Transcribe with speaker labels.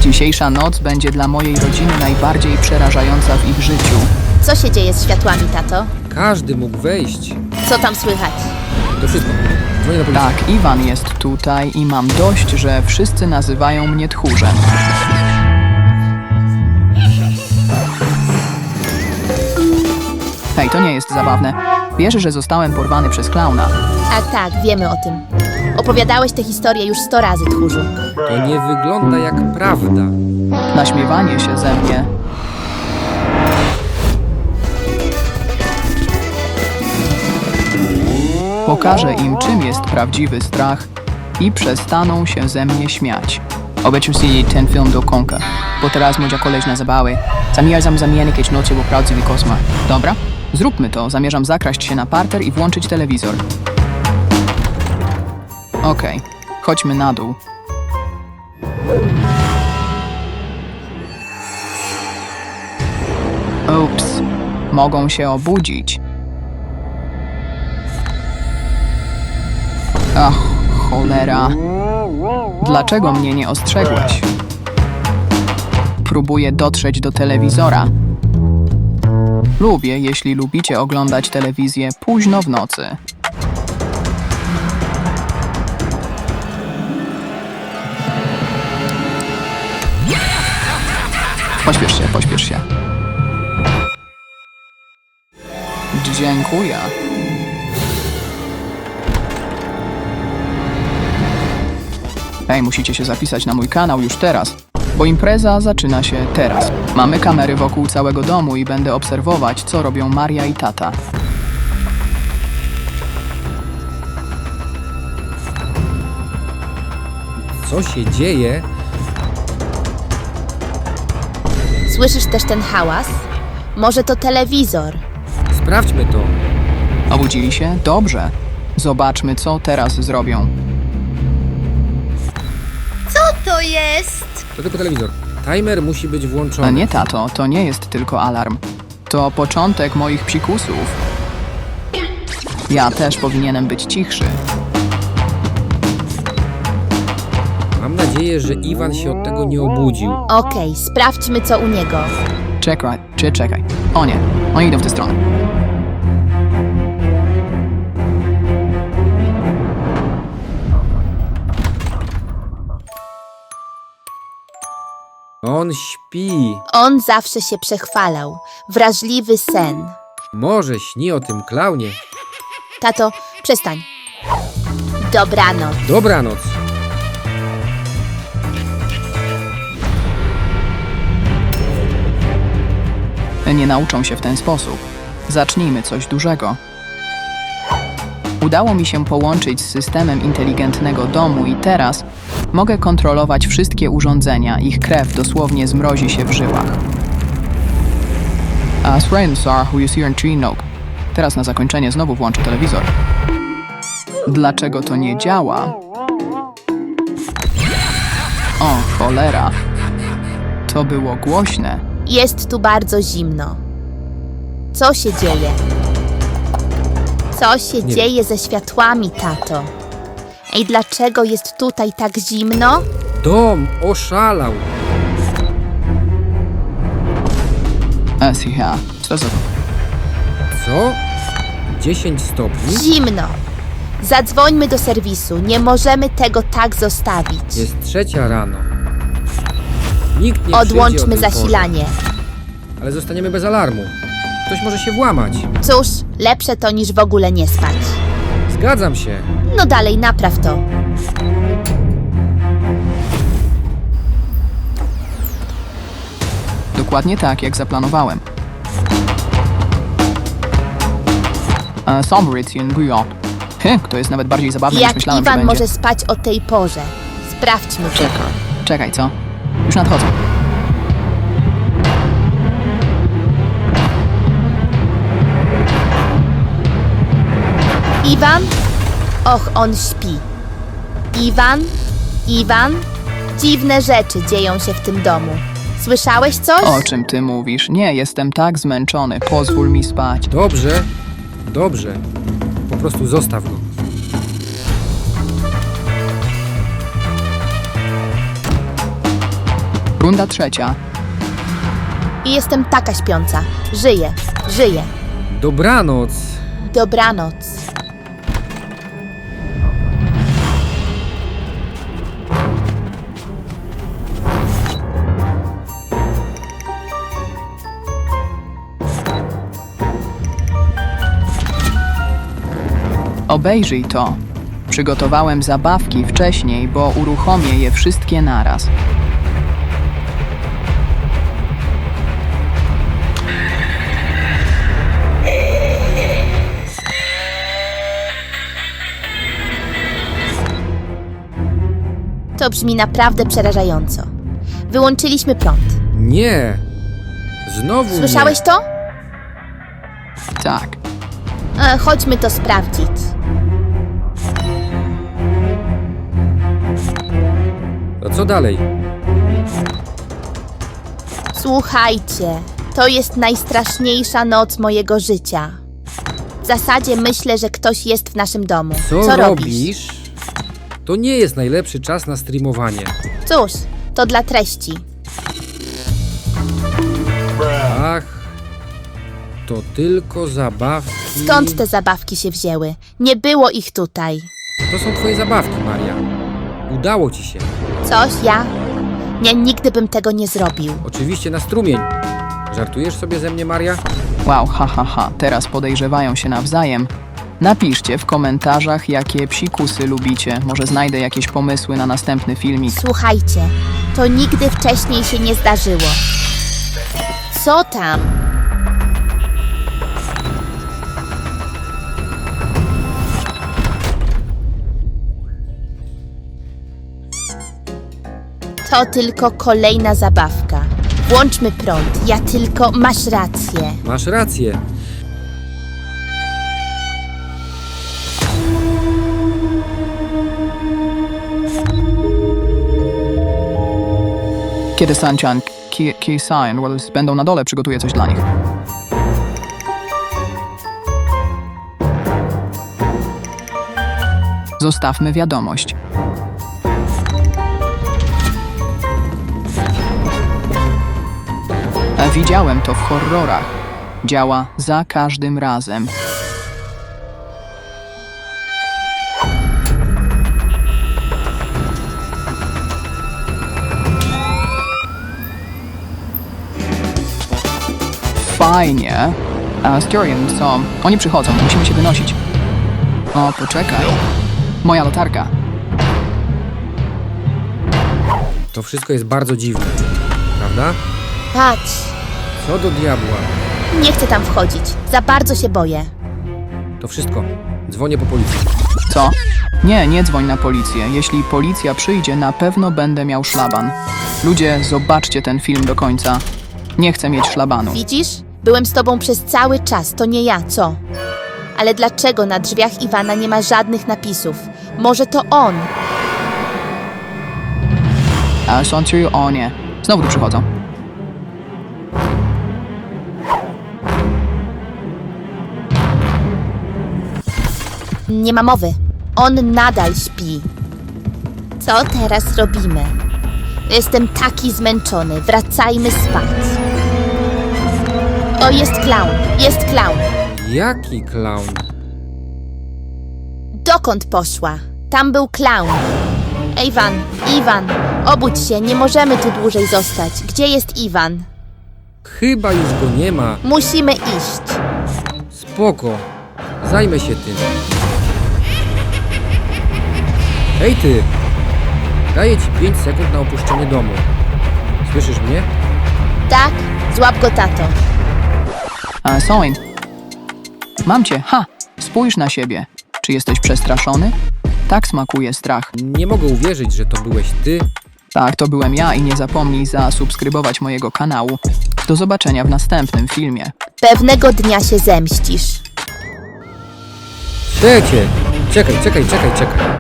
Speaker 1: Dzisiejsza noc będzie dla mojej rodziny najbardziej przerażająca w ich życiu.
Speaker 2: Co się dzieje z światłami, tato?
Speaker 3: Każdy mógł wejść.
Speaker 2: Co tam słychać?
Speaker 3: To wszystko. Dzwonię na policję.
Speaker 1: Tak, Iwan jest tutaj i mam dość, że wszyscy nazywają mnie tchórzem. Hej, to nie jest zabawne. Wiesz, że zostałem porwany przez klauna.
Speaker 2: Tak, wiemy o tym. Opowiadałeś tę historię już 100 razy, tchórzu.
Speaker 3: To nie wygląda jak prawda.
Speaker 1: Naśmiewanie się ze mnie. Pokażę im, czym jest prawdziwy strach i przestaną się ze mnie śmiać. Obejrzyj si ten film do końca, bo teraz moja koleżna zabawy. Zamierzam zamienić nocy w prawdziwy koszmar. Dobra? Zróbmy to. Zamierzam zakraść się na parter i włączyć telewizor. Okej, chodźmy na dół. Ups, mogą się obudzić. Ach, cholera. Dlaczego mnie nie ostrzegłeś? Próbuję dotrzeć do telewizora. Lubię, jeśli lubicie oglądać telewizję późno w nocy. Pośpiesz się. Dziękuję. Hej, musicie się zapisać na mój kanał już teraz, bo impreza zaczyna się teraz. Mamy kamery wokół całego domu i będę obserwować, co robią Maria i tata.
Speaker 3: Co się dzieje?
Speaker 2: Słyszysz też ten hałas? Może to telewizor?
Speaker 3: Sprawdźmy to.
Speaker 1: Obudzili się? Dobrze. Zobaczmy, co teraz zrobią.
Speaker 2: Co to jest?
Speaker 3: To tylko telewizor. Timer musi być
Speaker 1: A
Speaker 3: włączony.
Speaker 1: nie, tato, to nie jest tylko alarm. To początek moich psikusów. Ja też powinienem być cichszy.
Speaker 3: Mam nadzieję, że Iwan się od tego nie obudził.
Speaker 2: Okej, sprawdźmy co u niego.
Speaker 1: Czekaj. O nie, oni idą w tę stronę.
Speaker 3: On śpi.
Speaker 2: On zawsze się przechwalał. Wrażliwy sen.
Speaker 3: Może śni o tym klaunie.
Speaker 2: Tato, przestań. Dobranoc.
Speaker 3: Dobranoc.
Speaker 1: Nie nauczą się w ten sposób. Zacznijmy coś dużego. Udało mi się połączyć z systemem inteligentnego domu i teraz mogę kontrolować wszystkie urządzenia. Ich krew dosłownie zmrozi się w żyłach. Who is here in tree nope. Teraz na zakończenie znowu włączę telewizor. Dlaczego to nie działa? O, cholera. To było głośne.
Speaker 2: Jest tu bardzo zimno. Co się dzieje? Co się
Speaker 3: Nie
Speaker 2: dzieje ze światłami, tato? Ej, dlaczego jest tutaj tak zimno?
Speaker 3: Dom oszalał.
Speaker 1: Siha, co za to?
Speaker 3: Co? 10 stopni?
Speaker 2: Zimno. Zadzwońmy do serwisu. Nie możemy tego tak zostawić.
Speaker 3: Jest 3 rano. Nikt nie przyjdzie o
Speaker 2: Odłączmy
Speaker 3: tej porze.
Speaker 2: zasilanie.
Speaker 3: Ale zostaniemy bez alarmu. Ktoś może się włamać.
Speaker 2: Cóż, lepsze to niż w ogóle nie spać.
Speaker 3: Zgadzam się.
Speaker 2: No dalej, napraw to.
Speaker 1: Dokładnie tak, jak zaplanowałem. Sombrition Bouillon. To jest nawet bardziej zabawne niż
Speaker 2: Jak
Speaker 1: myślałem, że
Speaker 2: Iwan
Speaker 1: będzie.
Speaker 2: może spać o tej porze? Sprawdźmy to.
Speaker 1: Czekaj, co? Już nadchodzę.
Speaker 2: Iwan? Och, on śpi. Iwan? Dziwne rzeczy dzieją się w tym domu. Słyszałeś coś?
Speaker 1: O czym ty mówisz? Nie, jestem tak zmęczony. Pozwól mi spać.
Speaker 3: Dobrze. Po prostu zostaw go.
Speaker 1: Runda trzecia.
Speaker 2: I jestem taka śpiąca. Żyję, żyję.
Speaker 3: Dobranoc.
Speaker 2: Dobranoc.
Speaker 1: Obejrzyj to. Przygotowałem zabawki wcześniej, bo uruchomię je wszystkie naraz.
Speaker 2: To brzmi naprawdę przerażająco. Wyłączyliśmy prąd.
Speaker 3: Nie. Znowu
Speaker 2: Słyszałeś to?
Speaker 1: Tak.
Speaker 2: Chodźmy to sprawdzić.
Speaker 3: Nie. A co dalej?
Speaker 2: Słuchajcie, to jest najstraszniejsza noc mojego życia. W zasadzie myślę, że ktoś jest w naszym domu.
Speaker 3: Co
Speaker 2: robisz?
Speaker 3: robisz? To nie jest najlepszy czas na streamowanie.
Speaker 2: Cóż, to dla treści.
Speaker 3: Ach, to tylko zabawki.
Speaker 2: Skąd te zabawki się wzięły? Nie było ich tutaj.
Speaker 3: To są twoje zabawki, Maria. Udało ci się.
Speaker 2: Coś ja? Nie, nigdy bym tego nie zrobił.
Speaker 3: Oczywiście na strumień. Żartujesz sobie ze mnie, Maria?
Speaker 1: Wow, ha. Teraz podejrzewają się nawzajem. Napiszcie w komentarzach, jakie psikusy lubicie. Może znajdę jakieś pomysły na następny filmik.
Speaker 2: Słuchajcie, to nigdy wcześniej się nie zdarzyło. Co tam? To tylko kolejna zabawka. Włączmy prąd. Ja tylko... Masz rację.
Speaker 3: Masz rację.
Speaker 1: Kiedy Sanchan, Ki-san Wells będą na dole, przygotuję coś dla nich. Zostawmy wiadomość. Widziałem to w horrorach. Działa za każdym razem. Fajnie. Styrian, co? Oni przychodzą, musimy się wynosić. O, poczekaj. Moja latarka.
Speaker 3: To wszystko jest bardzo dziwne. Prawda?
Speaker 2: Patrz.
Speaker 3: Co do diabła.
Speaker 2: Nie chcę tam wchodzić. Za bardzo się boję.
Speaker 3: To wszystko. Dzwonię po policję.
Speaker 1: Co? Nie dzwoń na policję. Jeśli policja przyjdzie, na pewno będę miał szlaban. Ludzie, zobaczcie ten film do końca. Nie chcę mieć szlabanu.
Speaker 2: Widzisz? Byłem z tobą przez cały czas. To nie ja, co? Ale dlaczego na drzwiach Iwana nie ma żadnych napisów? Może to on?
Speaker 1: Sącuj, o nie. Znowu tu przychodzą.
Speaker 2: Nie ma mowy. On nadal śpi. Co teraz robimy? Jestem taki zmęczony. Wracajmy spać. O, jest klaun. Jest klaun.
Speaker 3: Jaki klaun?
Speaker 2: Dokąd poszła? Tam był klaun. Iwan, obudź się. Nie możemy tu dłużej zostać. Gdzie jest Iwan?
Speaker 3: Chyba już go nie ma.
Speaker 2: Musimy iść.
Speaker 3: Spoko. Zajmę się tym. Hej ty! Daję ci 5 sekund na opuszczenie domu. Słyszysz mnie?
Speaker 2: Tak? Złap go, tato.
Speaker 1: Soin. Mam cię. Ha! Spójrz na siebie. Czy jesteś przestraszony? Tak smakuje strach.
Speaker 3: Nie mogę uwierzyć, że to byłeś ty.
Speaker 1: Tak, to byłem ja i nie zapomnij zasubskrybować mojego kanału. Do zobaczenia w następnym filmie.
Speaker 2: Pewnego dnia się zemścisz.
Speaker 3: Czekaj.